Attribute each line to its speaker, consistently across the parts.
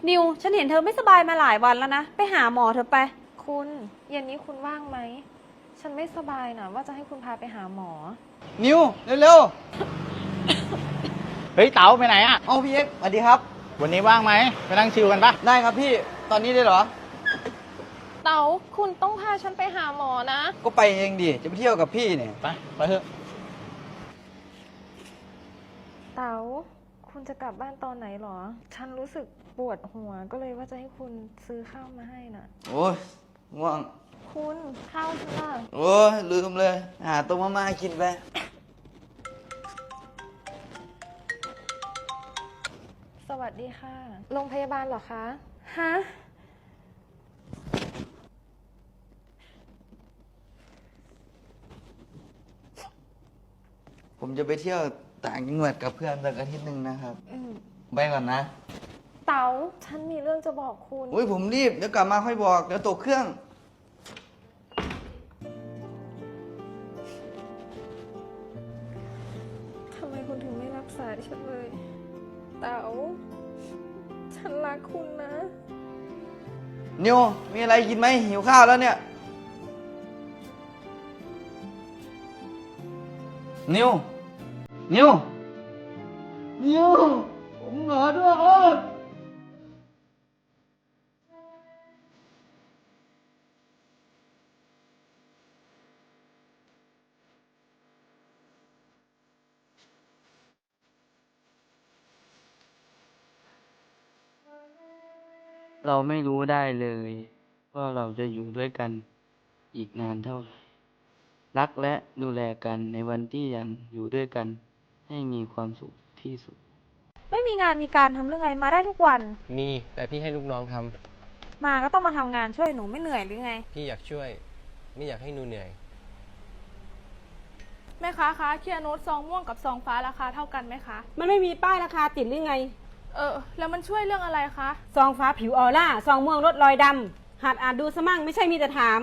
Speaker 1: นิวฉันเห็นเธอไม่สบายมาหลายวันแล้วนะไปหาหมอเธอไป
Speaker 2: คุณเย็นนี้คุณว่างไหมฉันไม่สบายนะว่าจะให้คุณพาไปหาหมอ
Speaker 3: นิวเร็ว
Speaker 4: เฮ้ยเต๋าไปไหนอ่ะ
Speaker 3: ๆเอาพี่เอ็กซ์สวัสดีครับ
Speaker 4: วันนี้ว่างไหมไปนั่งชิลกันปะ
Speaker 3: ได้ครับพี่ตอนนี้ได้เหรอ
Speaker 2: เต๋าคุณต้องพาฉันไปหาหมอนะ
Speaker 3: ก็ไปเองดิจะไปเที่ยวกับพี่เนี่ย
Speaker 4: ไปเถอะ
Speaker 2: เต๋าคุณจะกลับบ้านตอนไหนหรอฉันรู้สึกปวดหัวก็เลยว่าจะให้คุณซื้อข้าวมาให้น่ะ
Speaker 3: โอ้ยง่วง
Speaker 2: คุณข้าวฉันล่ะ
Speaker 3: โอ้ยลืมเลยหาต้มมาม่ากินไป
Speaker 2: สวัสดีค่ะโรงพยาบาลเหรอคะฮะ
Speaker 3: ผมจะไปเที่ยวต่างจังหวัดกับเพื่อนสักอาทิตย์หนึ่งนะครับไปก่อนนะ
Speaker 2: เต๋าฉันมีเรื่องจะบอกคุณ
Speaker 3: อุ้ยผมรีบเดี๋ยวกลับมาค่อยบอกเดี๋ยวตกเครื่อง
Speaker 2: ทำไมคุณถึงไม่รับสายฉันเลย เต๋าฉันรักคุณนะ
Speaker 3: นิวมีอะไรกินไหมหิวข้าวแล้วเนี่ยนิวนิวนิวผมเหงาด้วยครับ
Speaker 5: เราไม่รู้ได้เลยว่าเราจะอยู่ด้วยกันอีกนานเท่าไหร่รักและดูแลกันในวันที่ยังอยู่ด้วยกันให้มีความสุขที่สุด
Speaker 1: ไม่มีงานมีการทำเรื่องไงมาได้ทุกวัน
Speaker 6: มีแต่พี่ให้ลูกน้องทำ
Speaker 1: มาก็ต้องมาทำงานช่วยหนูไม่เหนื่อยหรือไง
Speaker 6: พี่อยากช่วย ไม่อยากให้หนูเหนื่อย
Speaker 7: แม่ค้าคะเคลียร์โน้ตซองม่วงกับซองฟ้าราคาเท่ากันไหมคะ
Speaker 8: มันไม่มีป้ายราคาติดหรือไง
Speaker 7: แล้วมันช่วยเรื่องอะไรคะ
Speaker 8: ซองฟ้าผิวออร่า ซองม่วงลดรอยดำหัดอ่านดูสมั่งไม่ใช่มีแต่ถาม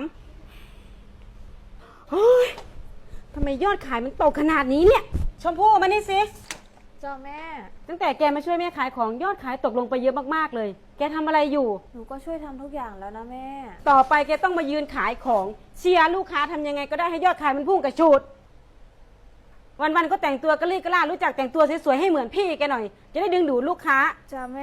Speaker 8: เฮ้ยทำไมยอดขายมันตกขนาดนี้เนี่ย ชมพู่มานี่สิ
Speaker 2: เจ้าแม่
Speaker 8: ตั้งแต่แกมาช่วยแม่ขายของยอดขายตกลงไปเยอะมากๆเลย แกทำอะไรอยู่
Speaker 1: หนูก็ช่วยทำทุกอย่างแล้วนะแม่
Speaker 8: ต่อไปแกต้องมายืนขายของเชียร์ลูกค้าทำยังไงก็ได้ให้ยอดขายมันพุ่งกระชูดวันๆก็แต่งตัวกระลี่กระล่ารู้จักแต่งตัวสวยๆให้เหมือนพี่แกหน่อย จะได้ดึงดูดลูกค้า
Speaker 1: จ้าแม่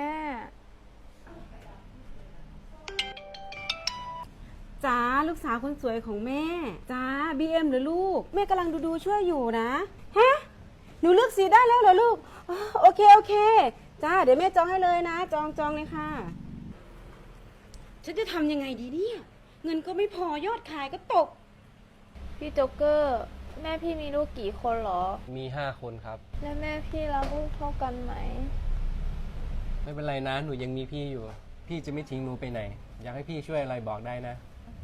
Speaker 8: จ้าลูกสาวคนสวยของแม่จ้าบีเอ็มหรือลูกแม่กำลังดูช่วยอยู่นะฮะหนูเลือกสีได้แล้วเหรอลูกอ๋อโอเคจ้าเดี๋ยวแม่จองให้เลยนะจองเลยค่ะฉันจะทำยังไงดีเนี่ยเงินก็ไม่พอยอดขายก็ตก
Speaker 2: พี่โจ๊กเกอร์ แม่พี่มีลูกกี่คนหรอ
Speaker 6: มี5 คนครับ
Speaker 2: และแม่พี่รักลูกเท่ากันไหม
Speaker 6: ไม่เป็นไรนะ หนูยังมีพี่อยู่ พี่จะไม่ทิ้งหนูไปไหน อยากให้พี่ช่วยอะไรบอกได้นะ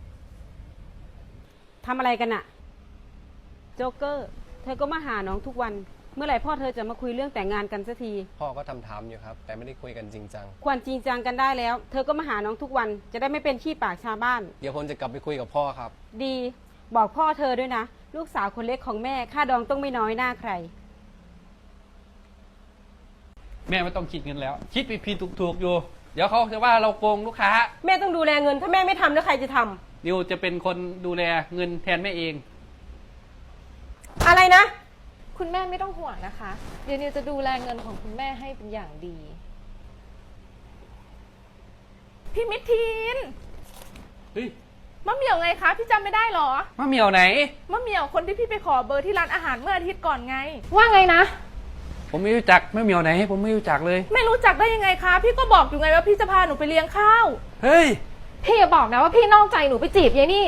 Speaker 8: ทำอะไรกันอะโจ๊กเกอร์เธอก็มาหาน้องทุกวัน เมื่อไหร่พ่อเธอจะมาคุยเรื่องแต่งงานกันสักที
Speaker 6: พ่อก็ถามอยู่ครับ แต่ไม่ได้คุยกันจริงจัง
Speaker 8: ควรจริงจังกันได้แล้ว เธอก็มาหาน้องทุกวันจะได้ไม่เป็นขี้ปากชาวบ้าน
Speaker 6: เดี๋ยวผมจะกลับไปคุยกับพ่อครับ
Speaker 8: ดีบอกพ่อเธอด้วยนะ ลูกสาวคนเล็กของแม่ค่าดองต้องไม่น้อยหน้าใคร
Speaker 9: แม่ไม่ต้องคิดเงินแล้ว คิดผิดๆถูกๆอยู่ เดี๋ยวเขาจะว่าเราโกงลูกค้า
Speaker 8: แม่ต้องดูแลเงินถ้าแม่ไม่ทำแล้วใครจะทำ
Speaker 9: นิวจะเป็นคนดูแลเงินแทนแม่เอง
Speaker 8: อะไรนะ
Speaker 2: คุณแม่ไม่ต้องห่วงนะคะ เดี๋ยวนิวจะดูแลเงินของคุณแม่ให้เป็นอย่างดี
Speaker 7: พี่มิทีน
Speaker 9: เฮ้ย
Speaker 7: มะเหมี่ยวไงคะ พี่จำไม่ได้เหรอ
Speaker 9: มะเหมียวไหน
Speaker 7: มะเหมี่ยวคนที่พี่ไปขอเบอร์ที่ร้านอาหารเมื่ออาทิตย์ก่อนไง
Speaker 2: ว่าไงนะ
Speaker 9: ผมไม่รู้จักมะเหมียวไหน ผมไม่รู้จักเลย
Speaker 7: ไม่รู้จักได้ยังไงคะ พี่ก็บอกอยู่ไงว่าพี่จะพาหนูไปเลี้ยงข้าว
Speaker 9: เฮ้ย
Speaker 2: พี่อย่าบอกนะว่าพี่นอกใจหนูไปจีบยายนี่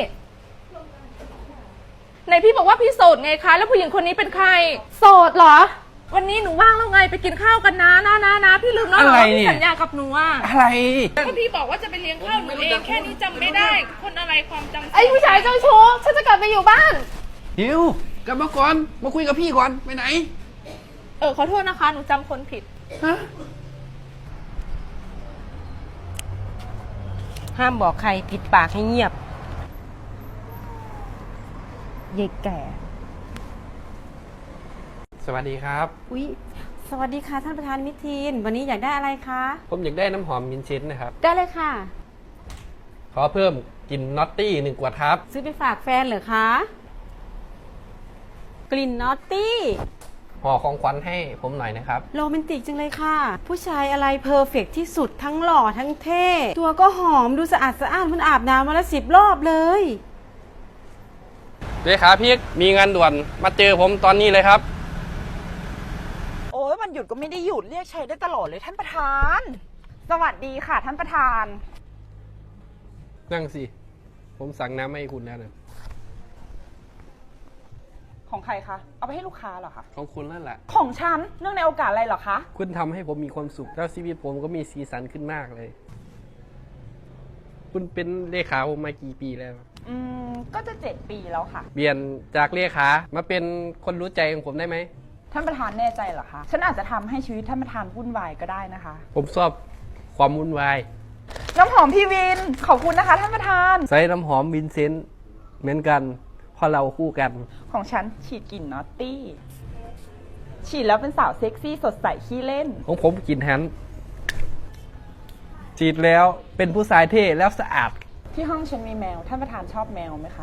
Speaker 7: ไหนพี่บอกว่าพี่โสดไงคะ แล้วผู้หญิงคนนี้เป็นใคร
Speaker 2: โสดเหรอ
Speaker 7: วันนี้หนูว่างแล้วไงไปกินข้าวกันนะพี่ลืมแล้วเหรอ
Speaker 9: อะไร
Speaker 7: ว่า
Speaker 9: เนี่
Speaker 7: พี่
Speaker 9: ย
Speaker 7: สัญญากับหนูอ่ะ
Speaker 9: อะไร
Speaker 7: ก็พี่บอกว่าจะไปเลี้ยงข้าวหนูเองแค่นี้จำไม่ได้ คนอะไรความจำ
Speaker 2: ไอ้ผู้ชายเจ้าชู้ฉันจะกลับไปอยู่บ้าน
Speaker 9: นิวกลับมาก่อน มาคุยกับพี่ก่อน ไปไหน
Speaker 7: ขอโทษนะคะ หนูจำคนผิด
Speaker 9: ฮะ
Speaker 8: ห้ามบอกใครปิดปากให้เงียบเยายแก่
Speaker 9: สวัสดีครับ
Speaker 8: อุ๊ย สสวัสดีค่ะท่านประธานมิทีน วันนี้อยากได้อะไรคะ
Speaker 6: ผมอยากได้น้ำหอมมินเชนนะครับ
Speaker 8: ได้เลยค่ะ
Speaker 6: ขอเพิ่มกลิ่นนอตตี้1 ขวดครับ
Speaker 8: ซื้อไปฝากแฟนเหรอคะ กลิ่นนอตตี้
Speaker 6: ห่อของขวัญให้ผมหน่อยนะครับ
Speaker 8: โรแมนติกจังเลยค่ะ ผู้ชายอะไรเพอร์เฟกต์ที่สุดทั้งหล่อทั้งเท่ ตัวก็หอมดูสะอาดสะอ้านมันอาบน้ำมาละ10 รอบเลย
Speaker 6: เลขาพี่มีงานด่วนมาเจอผมตอนนี้เลยครับ
Speaker 1: โอ้ยวันหยุดก็ไม่ได้หยุดเรียกใช้ได้ตลอดเลยท่านประธาน สวัสดีค่ะท่านประธาน
Speaker 6: นั่งสิ ผมสั่งน้ำให้คุณแล้วนะ
Speaker 1: ของใครคะ เอาไปให้ลูกค้าเหรอคะ
Speaker 6: ของคุณนั่นแหละ
Speaker 1: ของฉัน เนื่องในโอกาสอะไรเหรอคะ
Speaker 6: คุณทำให้ผมมีความสุขแล้วชีวิตผมก็มีสีสันขึ้นมากเลย คุณเป็นเลขาผมมากี่ปีแล้ว
Speaker 1: ก็จะ7 ปีแล้วค่ะ
Speaker 6: เปลี่ยนจากเลขามาเป็นคนรู้ใจของผมได้ไหม
Speaker 1: ท่านประธานแน่ใจเหรอคะ ฉันอาจจะทำให้ชีวิตท่านประธานวุ่นวายก็ได้นะคะ
Speaker 6: ผมชอบความวุ่นวาย
Speaker 1: น้ำหอมพี่วิน ขอบคุณนะคะท่านประธาน
Speaker 6: ใส่น้ำหอมวินเซนต์เหมือนกันเพราะเราคู่กัน
Speaker 1: ของฉันฉีดกลิ่นนอตตี้ ฉีดแล้วเป็นสาวเซ็กซี่สดใสขี้เล่น
Speaker 6: ของผมกลิ่นแฮนด์ฉีดแล้วเป็นผู้ชายเท่แล้วสะอาด
Speaker 1: ที่ห้องฉันมีแมว ท่านประธานชอบแมวไหมคะ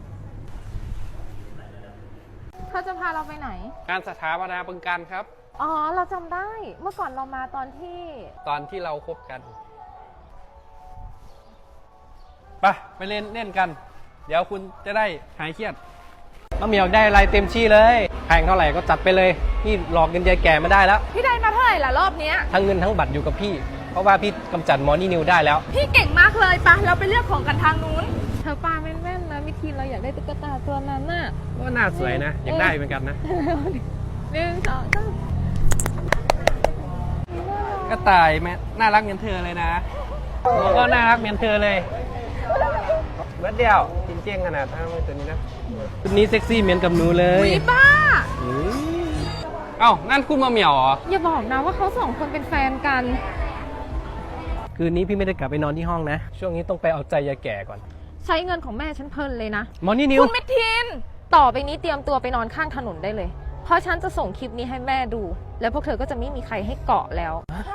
Speaker 2: เขาจะพาเราไปไหน
Speaker 6: การสถาปนาบึงการครับ
Speaker 2: อ๋อ เราจำได้ เมื่อก่อนเรามาตอนที่
Speaker 6: ตอนที่เราคบกันไปเล่นกัน เดี๋ยวคุณจะได้หายเครียดมะเหมียวได้อะไรเต็มที่เลยแพงเท่าไหร่ก็จัดไปเลย นี่หลอกเงินยายแก่มาได้แล้ว
Speaker 7: พี่ได้มาเท่าไหร่ล่ะรอบเนี้ย
Speaker 6: ทั้งเงินทั้งบัตรอยู่กับพี่ เพราะว่าพี่กำจัดหมอนี่นิวได้แล้ว
Speaker 7: พี่เก่งมากเลยปะเราไปเลือกของกันทางนู้น
Speaker 2: เธอปาแม่นๆนะมิทีนเราอยากได้ตุ๊กตาตัวนั้นน่ะ
Speaker 6: ก็น่าสวยนะ อยากได้เหมือนกันนะ
Speaker 2: 1 2 3
Speaker 6: ก็ตายแม่น่ารักเหมือนเธอเลยนะผมก็น่ารักเหมือนเธอเลยเบิร์ดเดียวจริงเจียงขนาดทั้งตัวนี้นะตัวนี้เซ็กซี่เหมือนกับหนูเลย
Speaker 7: วิบ้า
Speaker 6: เอ้านั่นคุณมาเหมียวเหรอ
Speaker 2: อย่าบอกนะว่าเขา2 คนเป็นแฟนกัน
Speaker 6: คืนนี้พี่ไม่ได้กลับไปนอนที่ห้องนะ ช่วงนี้ต้องไปเอาใจยายแก่ก่อน
Speaker 2: ใช้เงินของแม่ฉันเพลินเลยนะ
Speaker 6: หมอนี่นิว
Speaker 7: คุณมิทิน
Speaker 2: ต่อไปนี้เตรียมตัวไปนอนข้างถนนได้เลย เพราะฉันจะส่งคลิปนี้ให้แม่ดู แล้วพวกเธอก็จะไม่มีใครให้เกาะแล้ว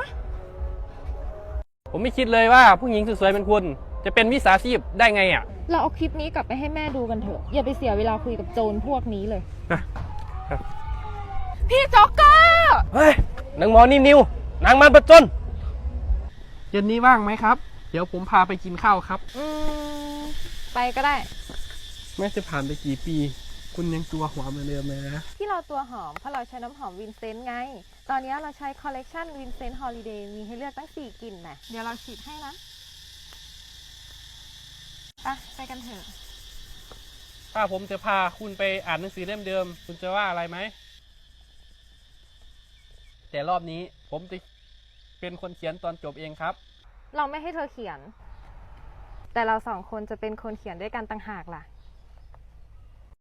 Speaker 6: ผมไม่คิดเลยว่าผู้หญิงสวยๆเป็นคุณ จะเป็นวิสาชีพได้ไงอ่ะ
Speaker 2: เราเอาคลิปนี้กลับไปให้แม่ดูกันเถอะ อย่าไปเสียเวลาคุยกับโจรพวกนี้เลย
Speaker 7: พี่จ็อกเกอร์
Speaker 6: เฮ้ยนางหมอนี่นิวนางมันประจนเย็นนี้ว่างไหมครับ เดี๋ยวผมพาไปกินข้าวครับ
Speaker 2: ไปก็ได้
Speaker 6: แม้จะผ่านไปกี่ปี คุณยังตัวหัวเหมือนเดิมเลยนะ
Speaker 2: ที่เราตัวหอมเพราะเราใช้น้ำหอมวินเซนต์ไง ตอนนี้เราใช้คอลเลกชันวินเซนต์ฮอลิเดย์มีให้เลือกตั้ง4 กลิ่นนะเดี๋ยวเราฉีดให้นะ ไปกันเถอะ
Speaker 6: ถ้าผมจะพาคุณไปอ่านหนังสือเล่มเดิม คุณจะว่าอะไรไหม แต่รอบนี้ผมจะเป็นคนเขียนตอนจบเองครับ
Speaker 2: เราไม่ให้เธอเขียน แต่เรา2 คนจะเป็นคนเขียนด้วยกันต่างหากล่ะ